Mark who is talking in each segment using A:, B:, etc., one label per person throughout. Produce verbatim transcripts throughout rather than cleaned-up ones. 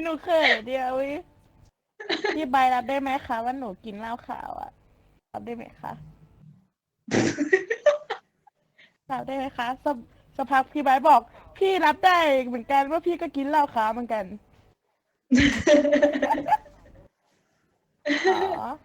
A: หนูเขินเดียววิพี่ใบรับได้ไหมคะว่าหนูกินเหล้าขาวอ่ะรับได้ไหมคะรับได้ไหมคะสสภาพพี่ใบบอกพี่รับได้เหมือนกันว่าพี่ก็กินเหล้าขาวเหมือนกันอ๋อ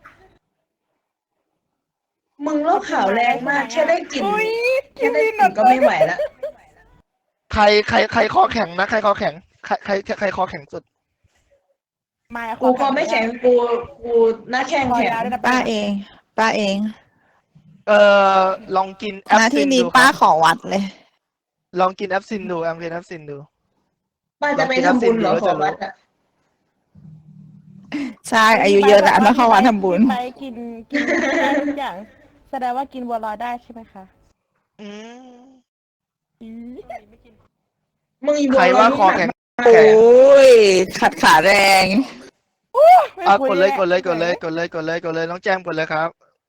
B: มึงโลกข่าวแรงมากแค่ได้กลิ่น
A: อุ้ยกิ
B: แค่
A: น
B: ได้กลิ่น
A: วินหน
B: ก็ไม่ไหวแล้ว
C: ใครใครใครคอแข็งนะใครคอแข็งใครใครใครคอแข็งสุด
A: มาข
B: กูคอไม่แข็งกูกูหน้าแข้ง
A: คอ
B: แข็ง
A: ยาวด้วยนะ
D: ป้าเอง ป้าเอง
C: เอ่อลองกินแอ
D: ห
C: ป
D: น้า
C: ซิ
D: ที่
C: น
D: นี้
C: ดูค
D: ป้า
C: รับ
D: ขอวัดเลย
C: ลองกินแอปซินดูลองกินแอปซินดู
B: ป้าจะไปทำบุญเหรอขอวัดอ่ะ
D: ใช่ อายุเยอะแล้วต้องเข้าวัดทำบุญ
A: ไปกินกินได้ทุกอย่าง แสดงว่ากินบัวลอยได้ใช่ไหมคะ
C: อืม
A: อืม
B: มึงอี
C: ใครว่าคอแข็ง
D: โอ้ย ขัดขาแรง
A: ไม่
C: อ่ะ
A: คุ
C: กดเลย
A: แว
C: กดเลยกดเลยกดเลยกดเลยกดเลยน้องแจมกดเลยครับ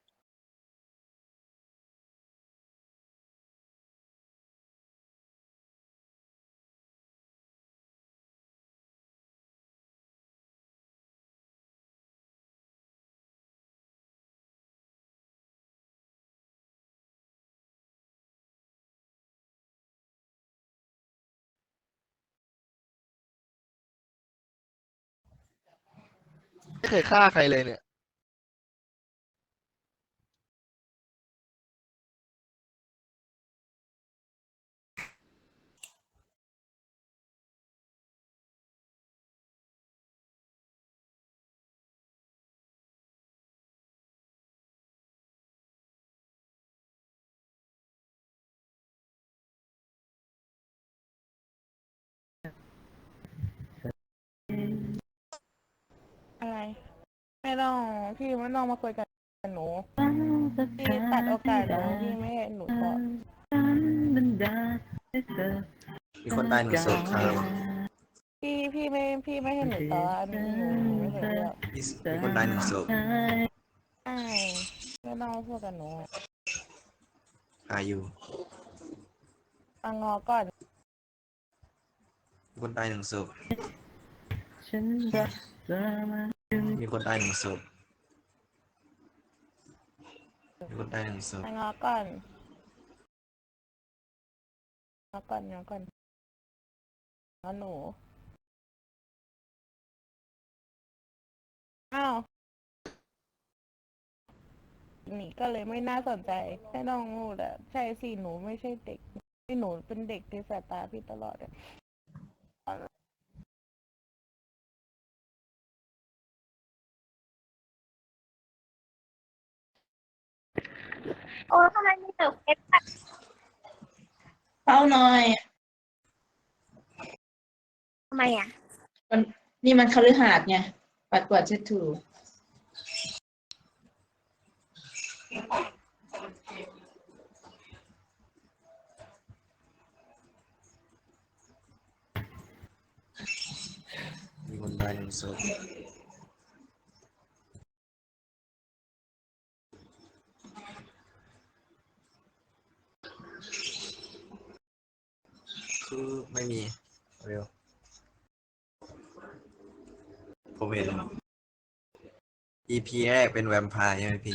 C: ไม่เคยฆ่าใครเลยเนี่ย
A: อะไรไม่ต้องพี่ไม่ต้องมาคุยกับหนูพี่ตัดโอกาสหนูพี่ไม่ให้หนูตอบ
E: มีคนตายหนึ่งศพครับ
A: พี่พี่ไม่พี่ไม่ให้หนูตอบหนูหนูไม่เคยเลือก
E: มีมีคนตายหนึ่งศพ
A: ใช่ไม่ต้องมาพูดกับหนู
E: อายุ
A: ฟังงอก่อน
E: มีคนตายหนึ่งศพมีคนตายหนึ่งศพมีคนตายหนึ่งศพ
A: ฟังงอก่อนงอก่อนงอก่อนงอหนูอ้าวนี่ก็เลยไม่น่าสนใจไม่ต้องพูดอะใช่สิหนูไม่ใช่เด็กที่หนูเป็นเด็กในสายตาพี่ตลอดอะ
F: โอ้ทำไมมีแต่เพชร
B: เฝ้าหน่อย
F: ทำไมอ่ะ
B: มันนี่มันคฤหาสน์ไงปัดกวาดเช็ดถู
E: มีคนตายหนึ่งศพคือไม่มีเร็วผมเห็น อี พี แรกเป็นแวมไพร์ใช่ไหมพี่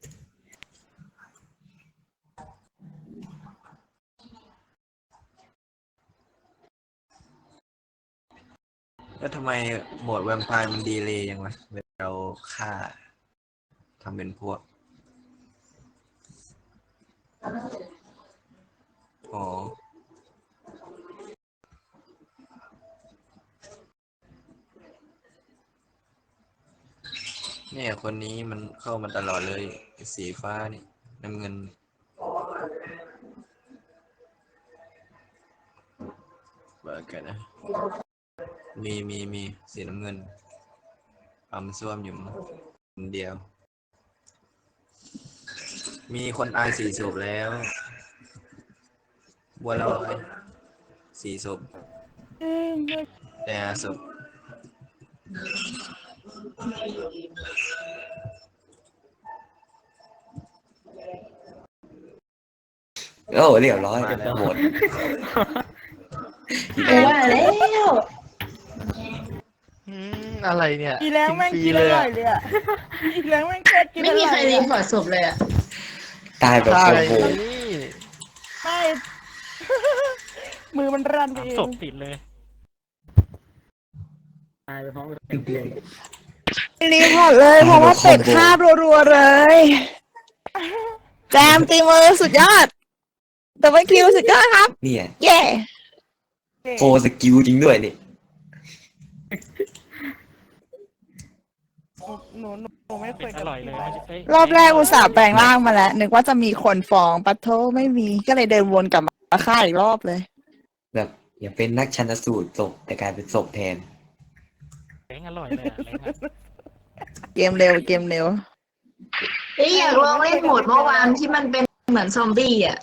E: แล้วทำไมโหมดแวมไพร์มันดีเลยยังวะเวลาเราฆ่าทำเป็นพวกอ๋อเนี่ยคนนี้มันเข้ามาตลอดเลยสีฟ้านี่น้ำเงินเบิกกันนะมีมีมีสีน้ำเงินปั๊มส้วมอยู่คนเดียว มีคนตายสี่ศพแล้ว บัวลอยสี่ศพ
A: เอ้ยไม่
E: แต่ศพ
G: โอ้เรียบร้อย
E: มาแล้ว
G: หมด
B: กูว่าแล้ว
C: อืมอะไรเนี่ย
A: อีแรงแม่ง
C: ฟรี
A: กิน
C: เล
A: อย ร่อ
C: อะ
A: ยเลยอ่ะอีแรงแม่งโคตรกินอ
B: ไม่
A: ร่อย
B: มีใครรี
A: อะ
B: พอร์ตศพเลยอ่ะ
G: ตายแบบ
C: ใช่
G: โกง
C: นี่
A: ไม่ มือมันรันไปเอง
H: ศพติดเลยตายไปพร้อมกับเตียง
D: รีพอร์ตเลยเพราะว่าเป็ดคาบรัวๆเลย แจมตีมือสุดยอดแต่ว่าคิวสุดยอดครับ
G: เนี่ย
D: เย่
G: โฟสกิลจริงด้วยนี่
A: หนูหนูหนูไม่เค
H: เป็
A: ย
H: ดอร่อยเลยมันจะเอ้ย
D: รอบแรกอุตส่าห์แปลงร่างมาแล้ว นึกว่าจะมีคนฟ้องปัทโทไม่มีก็เลยเดินวนกลับมาฆ่าอีกรอบเลย
G: แบบอย่าเป็นนักชันสูตรศพแต่กลายเป็นศพแทน
H: เล้งอร่อยเลยอะเล้งอะ
D: เกมเร็วเกมเร็ว
B: เอ้ยอยากลองเล่นโหมดเมื่อวานที่มันเป็นเหมือนซอมบี้อ่ะ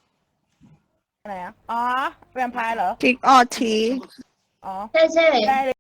A: อะไรอ่ะอ๋อแวมไพร์เหรอ
D: ทิกออที
A: อ๋อ
B: ใช่ใช่
A: ได้เลย